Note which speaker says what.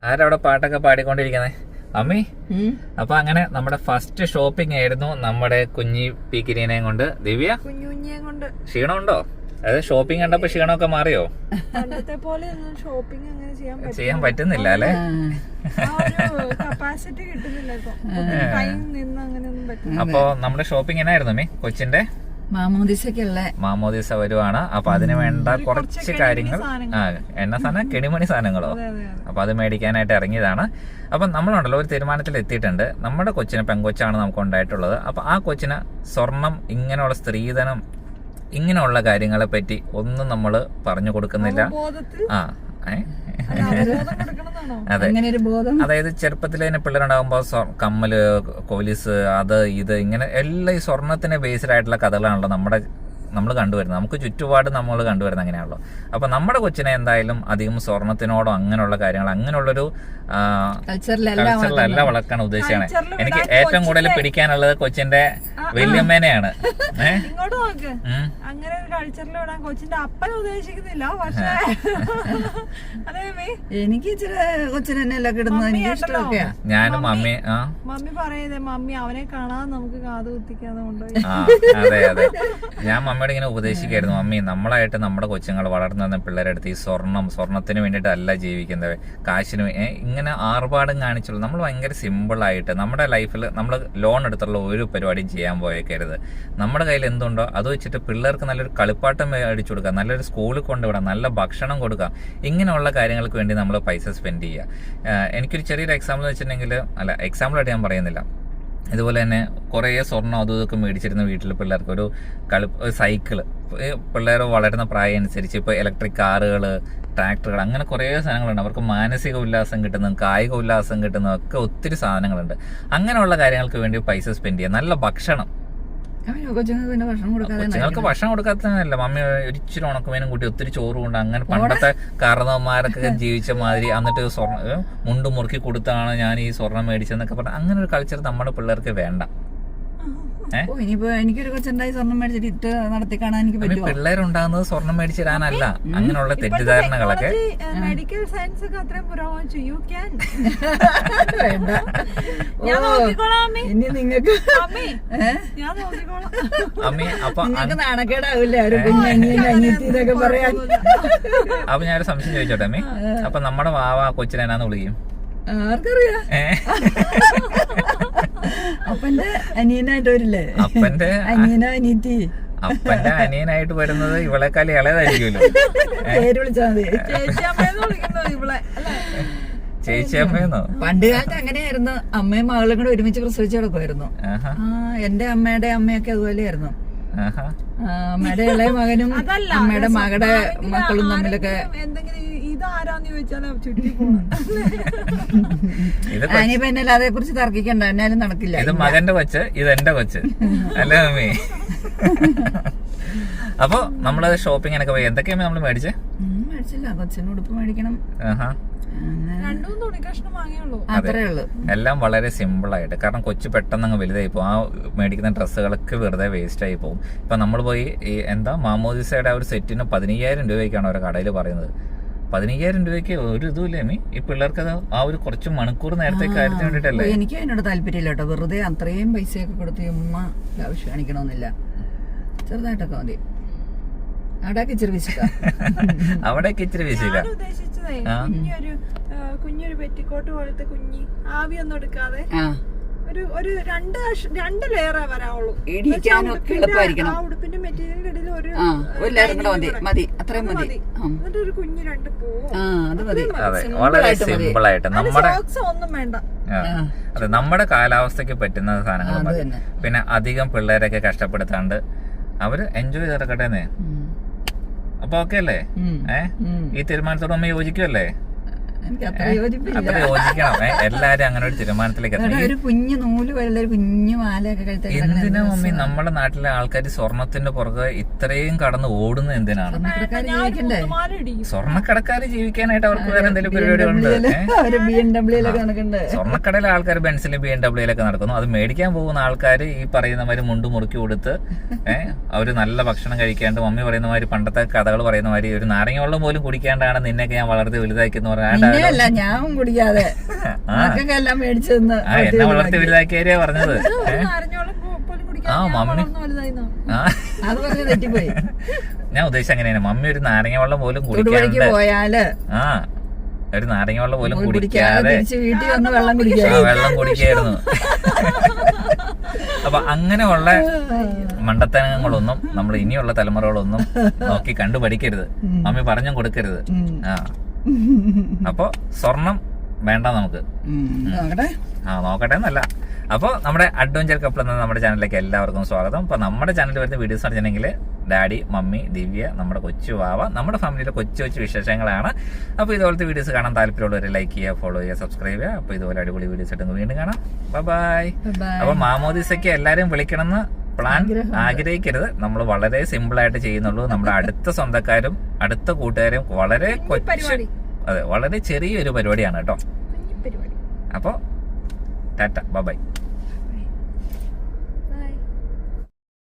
Speaker 1: ആരവിടെ പാട്ടൊക്കെ പാടിക്കൊണ്ടിരിക്കുന്നേ? അമ്മി. അപ്പൊ അങ്ങനെ നമ്മുടെ ഫസ്റ്റ് ഷോപ്പിംഗ് ആയിരുന്നു നമ്മുടെ കുഞ്ഞി പീക്കിരിനെയും കൊണ്ട്. ദിവ്യ,
Speaker 2: കൊണ്ട്
Speaker 1: ക്ഷീണമുണ്ടോ? അതായത് ഷോപ്പിംഗ് കണ്ടപ്പോ ക്ഷീണമൊക്കെ മാറിയോ?
Speaker 2: പണ്ടത്തെ പോലെ ഷോപ്പിംഗ് അങ്ങനെ
Speaker 1: ചെയ്യാൻ പറ്റുന്നില്ല അല്ലെ?
Speaker 2: കപ്പാസിറ്റി കിട്ടുന്നില്ല ഇപ്പൊ. ടൈം നിന്ന് അങ്ങനെയൊന്നും പറ്റില്ല.
Speaker 1: അപ്പൊ നമ്മുടെ ഷോപ്പിംഗ് എന്നായിരുന്നു അമ്മി? കൊച്ചിന്റെ മാമോദിസ വരുവാണ്. അപ്പൊ അതിന് വേണ്ട കുറച്ച് കാര്യങ്ങൾ, എണ്ണ സാധനം, കെണിമണി സാധനങ്ങളോ, അപ്പൊ അത് മേടിക്കാനായിട്ട് ഇറങ്ങിയതാണ്. അപ്പൊ നമ്മളുണ്ടല്ലോ ഒരു തീരുമാനത്തിൽ എത്തിയിട്ടുണ്ട്. നമ്മുടെ കൊച്ചിന് പെങ്കൊച്ചാണ് നമുക്ക് ഉണ്ടായിട്ടുള്ളത്. അപ്പൊ ആ കൊച്ചിന് സ്വർണം, ഇങ്ങനെയുള്ള സ്ത്രീധനം, ഇങ്ങനെയുള്ള കാര്യങ്ങളെ പറ്റി ഒന്നും നമ്മള് പറഞ്ഞു കൊടുക്കുന്നില്ല. അതെ, അതായത് ചെറുപ്പത്തിൽ തന്നെ പിള്ളേരുണ്ടാകുമ്പോ കമ്മല്, കൊലിസ്, അത് ഇത് ഇങ്ങനെ എല്ലാം ഈ സ്വർണത്തിന് ബേസ്ഡ് ആയിട്ടുള്ള കഥകളാണല്ലോ നമ്മൾ കണ്ടുവരുന്നത്. നമുക്ക് ചുറ്റുപാട് നമ്മൾ കണ്ടുവരുന്നത് അങ്ങനെയാണല്ലോ. അപ്പൊ നമ്മുടെ കൊച്ചിനെ എന്തായാലും അധികം സ്വർണത്തിനോടോ അങ്ങനെയുള്ള കാര്യങ്ങൾ, അങ്ങനെയുള്ളൊരു കൾച്ചറിലല്ല വളർത്താൻ ഉദ്ദേശിച്ചാണ്. എനിക്ക് ഏറ്റവും കൂടുതൽ പിടിക്കാനുള്ളത് കൊച്ചിന്റെ വല്യമ്മേനെയാണ്.
Speaker 2: ഇങ്ങോട്ട് നോക്ക്, അങ്ങനെ ഒരു കൾച്ചറിൽ വിടാൻ കൊച്ചിന്റെ അപ്പൻ ഉദ്ദേശിക്കുന്നില്ല. പക്ഷേ
Speaker 3: എനിക്ക്
Speaker 1: ഞാനും മമ്മി
Speaker 2: പറയുന്നത്, മമ്മി അവനെ കാണാതെ നമുക്ക് കാത് കുത്തിക്കാതെ കൊണ്ടുപോയി.
Speaker 1: അതെ അതെ, ഞാൻ മമ്മിയോട് ഇങ്ങനെ ഉപദേശിക്കായിരുന്നു, മമ്മി നമ്മളായിട്ട് നമ്മുടെ കൊച്ചുങ്ങൾ വളർന്നു വന്ന പിള്ളേരുടെ അടുത്ത് ഈ സ്വർണത്തിന് വേണ്ടിയിട്ടല്ല ജീവിക്കുന്നത്, കാശിന് ഇങ്ങനെ ആർഭാടം കാണിച്ചുള്ളൂ. നമ്മൾ ഭയങ്കര സിമ്പിളായിട്ട് നമ്മുടെ ലൈഫിൽ നമ്മൾ ലോൺ എടുത്തുള്ള ഒരു പരിപാടിയും ചെയ്യാൻ പോയേക്കരുത്. നമ്മുടെ കയ്യിൽ എന്തുണ്ടോ അത് വെച്ചിട്ട് പിള്ളേർക്ക് നല്ലൊരു കളിപ്പാട്ടം മേടിച്ചു കൊടുക്കാം, നല്ലൊരു സ്കൂളിൽ കൊണ്ടുവിടാം, നല്ല ഭക്ഷണം കൊടുക്കാം. ഇങ്ങനെയുള്ള കാര്യങ്ങൾക്ക് വേണ്ടി നമ്മൾ പൈസ സ്പെൻഡ് ചെയ്യുക. എനിക്കൊരു ചെറിയൊരു എക്സാമ്പിൾ വെച്ചിട്ടുണ്ടെങ്കിൽ, അല്ല എക്സാമ്പിളായിട്ട് ഞാൻ പറയുന്നില്ല, ഇതുപോലെ തന്നെ കുറേ സ്വർണ്ണം അതും ഇതൊക്കെ മേടിച്ചിരുന്ന വീട്ടിൽ പിള്ളേർക്ക് ഒരു സൈക്കിള്, പിള്ളേർ വളരുന്ന പ്രായം അനുസരിച്ച് ഇപ്പോൾ ഇലക്ട്രിക് കാറുകൾ, ട്രാക്ടറുകൾ, അങ്ങനെ കുറേ സാധനങ്ങളുണ്ട്. അവർക്ക് മാനസിക ഉല്ലാസം കിട്ടുന്നതും കായിക ഉല്ലാസം കിട്ടുന്നതും ഒക്കെ ഒത്തിരി സാധനങ്ങളുണ്ട്. അങ്ങനെയുള്ള കാര്യങ്ങൾക്ക് വേണ്ടി പൈസ സ്പെൻഡ് ചെയ്യുക. നല്ല ഭക്ഷണം, കൊച്ചുങ്ങൾക്ക് ഭക്ഷണം കൊടുക്കാത്തതല്ല, മമ്മി ഒരിച്ചിരി ഉണക്കുമേനും കൂട്ടി ഒത്തിരി ചോറ് കൊണ്ട്, അങ്ങനെ പണ്ടത്തെ കാരണവന്മാരൊക്കെ ജീവിച്ച മാതിരി, എന്നിട്ട് മുണ്ട് മുറുക്കി കൊടുത്താണ് ഞാൻ ഈ സ്വർണം മേടിച്ചെന്നൊക്കെ പറഞ്ഞാൽ അങ്ങനെ ഒരു കൾച്ചർ നമ്മുടെ പിള്ളേർക്ക് വേണ്ട.
Speaker 3: എനിക്കൊരു കൊച്ചുണ്ടായി സ്വർണം മേടിച്ചിട്ട് നടത്തി കാണാൻ എനിക്ക് പറ്റുമോ?
Speaker 1: പിള്ളേരുണ്ടാകുന്നത് സ്വർണം മേടിച്ചിടാനല്ല, അങ്ങനെയുള്ള തെറ്റിദ്ധാരണകളൊക്കെ.
Speaker 2: മെഡിക്കൽ സയൻസ് ഒക്കെ അത്രയും പുരോഗമിച്ചു. യു ക്യാൻ
Speaker 3: ഇനി നിങ്ങൾക്ക്
Speaker 1: അമ്മി. അപ്പൊ
Speaker 3: നാണക്കേടാവില്ലേ ഒരു കുഞ്ഞനിയത്തി ഇതൊക്കെ പറയാൻ?
Speaker 1: അപ്പൊ ഞാനൊരു സംശയം ചോദിച്ചോട്ടെ അമ്മി, അപ്പൊ നമ്മുടെ വാവ കൊച്ചിനെ എന്നാന്ന് വിളിക്കും?
Speaker 3: ആർക്കറിയാ? അപ്പന്റെ അനിയനായിട്ട് വരില്ലേ?
Speaker 1: അപ്പന്റെ
Speaker 3: അനിയനോ അനിയത്തി?
Speaker 1: അപ്പന്റെ അനിയനായിട്ട് വരുന്നത് ഇവളെക്കാൾ ഇളയതായിരിക്കുമല്ലോ.
Speaker 3: പേര് വിളിച്ചാൽ മതി.
Speaker 1: ചേച്ചിയമ്മയെന്നോ?
Speaker 3: പണ്ട് കാലത്ത് അങ്ങനെയായിരുന്നു. അമ്മയും മകളും കൂടെ ഒരുമിച്ച് പ്രസവിച്ച് കിടക്കുമായിരുന്നു. എന്റെ അമ്മയുടെ അമ്മയൊക്കെ അതുപോലെയായിരുന്നു. അമ്മയുടെ ഇളയ മകനും അമ്മയുടെ മകളുടെ മക്കളും തമ്മിലൊക്കെ. അനിയിപ്പോ എന്നെ അതേ കുറിച്ച് തർക്കിക്കണ്ട, എന്നാലും നടക്കില്ല.
Speaker 1: ഇത് മകന്റെ കൊച്ച്, ഇത് എന്റെ കൊച്ച് അല്ലേ മമ്മി? അപ്പൊ നമ്മള് ഷോപ്പിങ്ങിനൊക്കെ പോയി. എന്തൊക്കെയാ നമ്മള് മേടിച്ചേ?
Speaker 3: മേടിച്ചില്ല, കൊച്ചിന് ഉടുപ്പ് മേടിക്കണം, അത്രേ ഉള്ളൂ.
Speaker 1: എല്ലാം വളരെ സിമ്പിൾ ആയിട്ട്. കാരണം കൊച്ചു പെട്ടെന്ന് അങ്ങ് വലുതായി പോകും. ആ മേടിക്കുന്ന ഡ്രസ്സുകളൊക്കെ വെറുതെ വേസ്റ്റ് ആയി പോകും. ഇപ്പൊ നമ്മൾ പോയി ഈ മാമോദിസയുടെ ആ ഒരു സെറ്റിന് 15,000 രൂപയ്ക്കാണ് ഓരോ കടയിൽ പറയുന്നത്. 15,000 രൂപയ്ക്ക് ഒരു ഇതുമില്ലേ മീ? ഈ പിള്ളേർക്ക് അത് ആ ഒരു കുറച്ച് മണിക്കൂർ നേരത്തെ കാര്യത്തിന് വേണ്ടിട്ടല്ലേ?
Speaker 3: എനിക്ക് അതിനോട് താല്പര്യമില്ല കേട്ടോ. വെറുതെ അത്രയും പൈസയൊക്കെ കൊടുത്ത് ഉമ്മ ആവശ്യം കാണിക്കണമെന്നില്ല. ചെറുതായിട്ടൊക്കെ മതി. അവിടേക്ക് ഇച്ചിരി വിശക്കാം,
Speaker 1: അവിടേക്ക് ഇച്ചിരി വിശില്ല.
Speaker 2: കുഞ്ഞൊരു പെറ്റിക്കോട്ട് പോലത്തെ കുഞ്ഞി ആവി ഒന്നും എടുക്കാതെ ഒരു രണ്ട് ലെയറേ വരാവുള്ളൂ. ഉടുപ്പിന്റെ മെറ്റീരിയലിന്റെ ഇടയിൽ ഒരു
Speaker 3: മതി, അത്രയും മതി.
Speaker 2: എന്നിട്ട് ഒരു കുഞ്ഞ് രണ്ട് പൂവും,
Speaker 1: വളരെ സിമ്പിൾ ആയിട്ട് നമ്മുടെ
Speaker 2: ഒന്നും വേണ്ട.
Speaker 1: അതെ, നമ്മുടെ കാലാവസ്ഥക്ക് പറ്റുന്ന സാധനങ്ങൾ മതി. പിന്നെ അധികം പിള്ളേരൊക്കെ കഷ്ടപ്പെടുത്താണ്ട് അവര് എൻജോയ് ചെയ്തിറക്കട്ടെന്നേ. അപ്പൊ ഓക്കെ അല്ലേ? ഈ തീരുമാനത്തോട് നമ്മൾ യോജിക്കുമല്ലേ? അത്ര യോജിക്കണം. എല്ലാരും അങ്ങനെ ഒരു തീരുമാനത്തിലേക്ക്
Speaker 3: കുഞ്ഞു നൂല് വല്ല കുഞ്ഞു മാലയൊക്കെ കഴിച്ചാൽ
Speaker 1: എന്തിനാ മമ്മി നമ്മുടെ നാട്ടിലെ ആൾക്കാർ സ്വർണത്തിന്റെ പുറകെ ഇത്രയും കടന്ന് ഓടുന്നത് എന്തിനാണ്? സ്വർണ്ണക്കടക്കാര് ജീവിക്കാനായിട്ട് അവർക്ക് വേറെ എന്തെങ്കിലും പരിപാടികളുണ്ട്. സ്വർണ്ണക്കടയിലെ ആൾക്കാർ ബെൻസിലും BMW നടക്കുന്നു. അത് മേടിക്കാൻ പോകുന്ന ആൾക്കാർ ഈ പറയുന്നമാര് മുണ്ട് മുറുക്കി കൊടുത്ത് അവര് നല്ല ഭക്ഷണം കഴിക്കാണ്ട്, മമ്മി പറയുന്ന മാതിരി പണ്ടത്തെ കഥകൾ പറയുന്ന മാതിരി ഒരു നാരങ്ങ വെള്ളം പോലും കുടിക്കാണ്ടാണ് നിന്നെയൊക്കെ ഞാൻ വളർത്തി വലുതാക്കി എന്ന് പറഞ്ഞാൽ
Speaker 3: എന്നെയല്ല ഞാൻ കുടിക്കാതെ മക്കൾക്ക് എല്ലാം മേടിച്ചു തന്ന്
Speaker 1: എന്നെ വളർത്തി വലുതാക്കിയാ പറഞ്ഞത്.
Speaker 2: നാരങ്ങോളം പോലും കുടിക്കാൻ
Speaker 1: ആ മമ്മി
Speaker 2: വലുതായിരുന്നോ?
Speaker 3: അത് പറഞ്ഞ് തെറ്റിപ്പോയി.
Speaker 1: ഞാൻ ഉദ്ദേശിച്ച അങ്ങനെയാണ്. മമ്മി ഒരു നാരങ്ങ വെള്ളം പോലും
Speaker 3: തൊടുപുഴയ്ക്ക്
Speaker 1: കുടിക്കാണ്ട്,
Speaker 3: പോയാല്
Speaker 1: ഒരു നാരങ്ങ വെള്ളം പോലും കുടിക്കാതെ
Speaker 3: തിരിച്ച് വീട്ടിൽ വന്ന് വെള്ളം കുടിക്കുക.
Speaker 1: വെള്ളം കുടിക്കായിരുന്നു. അപ്പൊ അങ്ങനെയുള്ള മണ്ടത്തനങ്ങളൊന്നും നമ്മൾ ഇനിയുള്ള തലമുറകളൊന്നും നോക്കി കണ്ടു പഠിക്കരുത്, മമ്മി പറഞ്ഞും കൊടുക്കരുത്. അപ്പൊ സ്വർണം വേണ്ട നമുക്ക്. നോക്കട്ടെ എന്നല്ല. അപ്പോൾ നമ്മുടെ അഡ്വഞ്ചർ കപ്പിൾ എന്ന നമ്മുടെ ചാനലിലേക്ക് എല്ലാവർക്കും സ്വാഗതം. അപ്പോൾ നമ്മുടെ ചാനലിൽ വരുന്ന വീഡിയോസ് പറഞ്ഞിട്ടുണ്ടെങ്കിൽ ഡാഡി, മമ്മി, ദിവ്യ, നമ്മുടെ കൊച്ചു വാവ, നമ്മുടെ ഫാമിലിയിലെ കൊച്ചു കൊച്ചു വിശേഷങ്ങളാണ്. അപ്പോൾ ഇതുപോലത്തെ വീഡിയോസ് കാണാൻ താല്പര്യമുള്ളവർ ലൈക്ക് ചെയ്യുക, ഫോളോ ചെയ്യുക, സബ്സ്ക്രൈബ് ചെയ്യുക. അപ്പോൾ ഇതുപോലെ അടിപൊളി വീഡിയോസ് ഇട്ട് വീണ്ടും കാണാം. ബൈ. അപ്പോൾ മാമോദിസയ്ക്ക് എല്ലാവരും വിളിക്കണമെന്ന് പ്ലാൻ ആഗ്രഹിക്കരുത്. നമ്മൾ വളരെ സിമ്പിൾ ആയിട്ട് ചെയ്യുന്നുള്ളൂ. നമ്മുടെ അടുത്ത സ്വന്തക്കാരും അടുത്ത കൂട്ടുകാരും വളരെ വളരെ ചെറിയൊരു പരിപാടിയാണ് കേട്ടോ. അപ്പോൾ ടാറ്റ, ബൈ.